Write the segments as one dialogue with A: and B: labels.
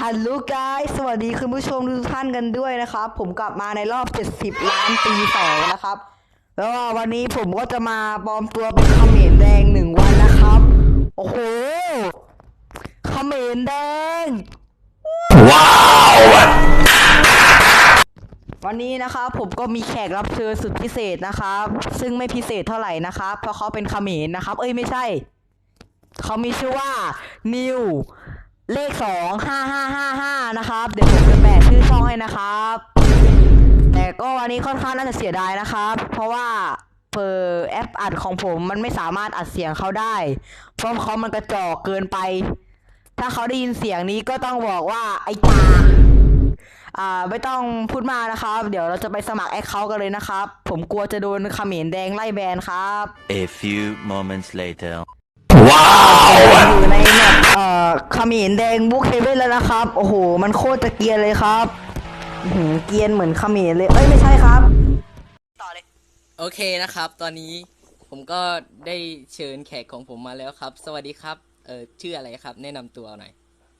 A: ฮัลโหลไกด์สวัสดีคุณผู้ชมทุกท่านกันด้วยนะครับผมกลับมาในรอบ70ล้านปี2นะครับแล้ววันนี้ผมก็จะมาปลอมตัวเป็นเขมรแดง1 วันนะครับโอ้โหเขมรแดงว้าววันนี้นะครับผมก็มีแขกรับเชิญสุดพิเศษนะครับซึ่งไม่พิเศษเท่าไหร่นะครับเพราะเขาเป็นเขมรนะครับไม่ใช่เขามีชื่อว่านิวเลข25555นะครับเดี๋ยวผมจะแปะชื่อช่องให้นะครับแต่ก็วันนี้ค่อนข้างน่าจะเสียดายนะครับเพราะว่าแอปอัดของผมมันไม่สามารถอัดเสียงเขาได้เพราะเขามันกระจอกเกินไปถ้าเขาได้ยินเสียงนี้ก็ต้องบอกว่าไอ้จ่าไม่ต้องพูดมากนะครับเดี๋ยวเราจะไปสมัครแอคเคาท์กันเลยนะครับผมกลัวจะโดนเขมรแดงไล่แบนครับ
B: A few moments later
A: ว้าวอยู่ในแมปเขมรแดงบุ๊กเฮเว่นแล้วนะครับโอ้โหมันโคตรจะเกรียนเลยครับเกรียนเหมือนเขมรเลยไม่ใช่ครับต่อเลย
C: โอเคนะครับตอนนี้ผมก็ได้เชิญแขกของผมมาแล้วครับสวัสดีครับชื่ออะไรครับแนะนำตัวหน่อย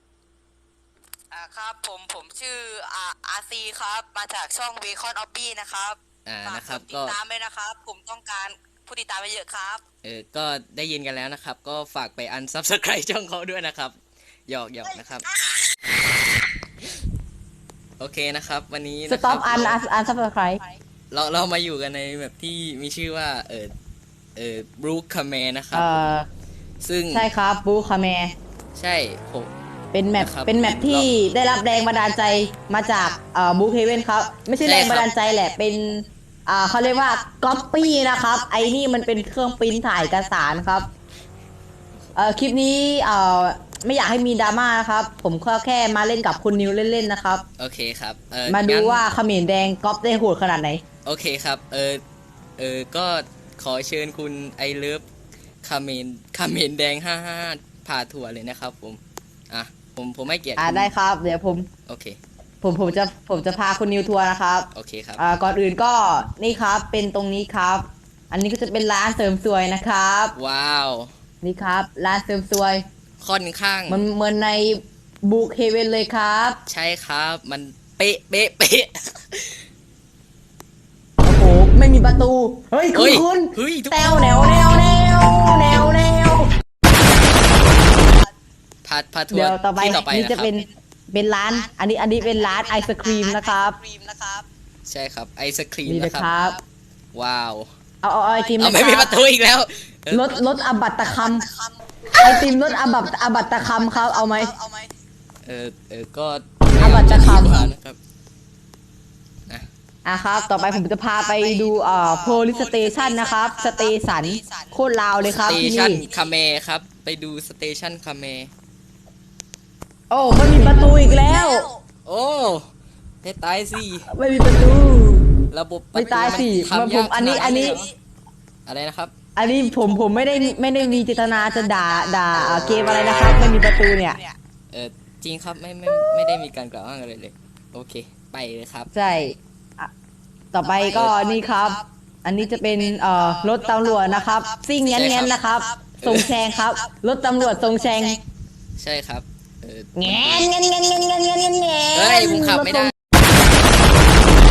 A: ครับผมชื่ออาร์ซีครับมาจากช่องเบคอนออฟบี้นะครับ
C: นะครับ
A: ติดตามเลยนะครับผมต้องการผู้ติดตามไปเยอะครับ
C: ก็ได้ยินกันแล้วนะครับก็ฝากไปอันซับสไครต์ช่องเขาด้วยนะครับหยอกนะครับโอเคนะครับวันนี้
A: สต็อปอันซับสไครต์
C: เรามาอยู่กันในแบบที่มีชื่อว่าบรูคคาเมนะครับซึ่ง
A: ใช่ครับบรูคคาเม
C: ใช่ผม
A: เป็นแมปที่ได้รับแรงบันดาลใจมาจากบุ๊กเฮเว่นครับไม่ใช่แรงบันดาลใจแหละเป็นเขาเรียกว่าก๊อปปี้นะครับไอ้นี่มันเป็นเครื่องปริ้นถ่ายเอกสารครับคลิปนี้ไม่อยากให้มีดราม่านะครับผมแค่มาเล่นกับคุณนิวเล่นๆนะครับ
C: โอเคครับ
A: มาดูว่าเขมรแดงก๊อปได้โหดขนาดไหน
C: โอเคครับก็ขอเชิญคุณไอเลิฟคาเมนแดง55พาทัวร์เลยนะครับผมไม่เกียรติ
A: ได้ครับเดี๋ยวผม
C: โอเค
A: ผมจะพาคุณนิวทัวร์นะครับ
C: โอเคครับ
A: ก่อนอื่นก็นี่ครับเป็นตรงนี้ครับอันนี้ก็จะเป็นร้านเสริมสวยนะครับ
C: ว้าว
A: นี่ครับร้านเสริมสวย
C: ค่อนข้าง
A: มันเหมือนในบุ๊กเฮเว่นเลยครับ
C: ใช่ครับมันเป๊ะ
A: โอ้โหไม่มีประตูเฮ้ยคุณแนว
C: พาทัวร์
A: เดี๋ยวต่อไปนี่จะ
C: นะครับ
A: เป็นร้านอันนี้เป็นร้านไอศครีมนะครับ
C: ใช่ครับไอศครีม
A: นี่นะครับ
C: ว้าว
A: เอาไอติม
C: ไม่มีประตูอีกแล้ว
A: รถอบัตตะคำไอติมรถอบัตตะคำครับเอาไหม
C: ก็
A: อบัตตะคำ
C: นะครับ
A: ครับต่อไปผมจะพาไปดูโพลิสเตชันนะครับสเตชันโคตรลาวเลยครับที่นี่
C: สเตชันคาเมครับไปดูสเตชันคาเม
A: โอ้ไม่มีประตูอีกแล้ว
C: โอ้ให้ตายสิ
A: ไม่มีประตู
C: ระบบ
A: ไม่ตายสิผมอันนี้
C: อะไรนะครับ
A: อันนี้ผมไม่ได้มีเจตนาจะด่าเกมอะไรนะครับไม่มีประตูเนี่ย
C: จริงครับไม่ได้มีการกล่าวอ้างอะไรเลยโอเคไปเลยครับ
A: ใช่ต่อไปก็นี่ครับอันนี้จะเป็นรถตำรวจนะครับซิ่งแง้นนะครับทรงแชงครับรถตำรวจทรงแชง
C: ใช่ครับ
A: แง้น
C: เฮ้ยผมขับไม่ได้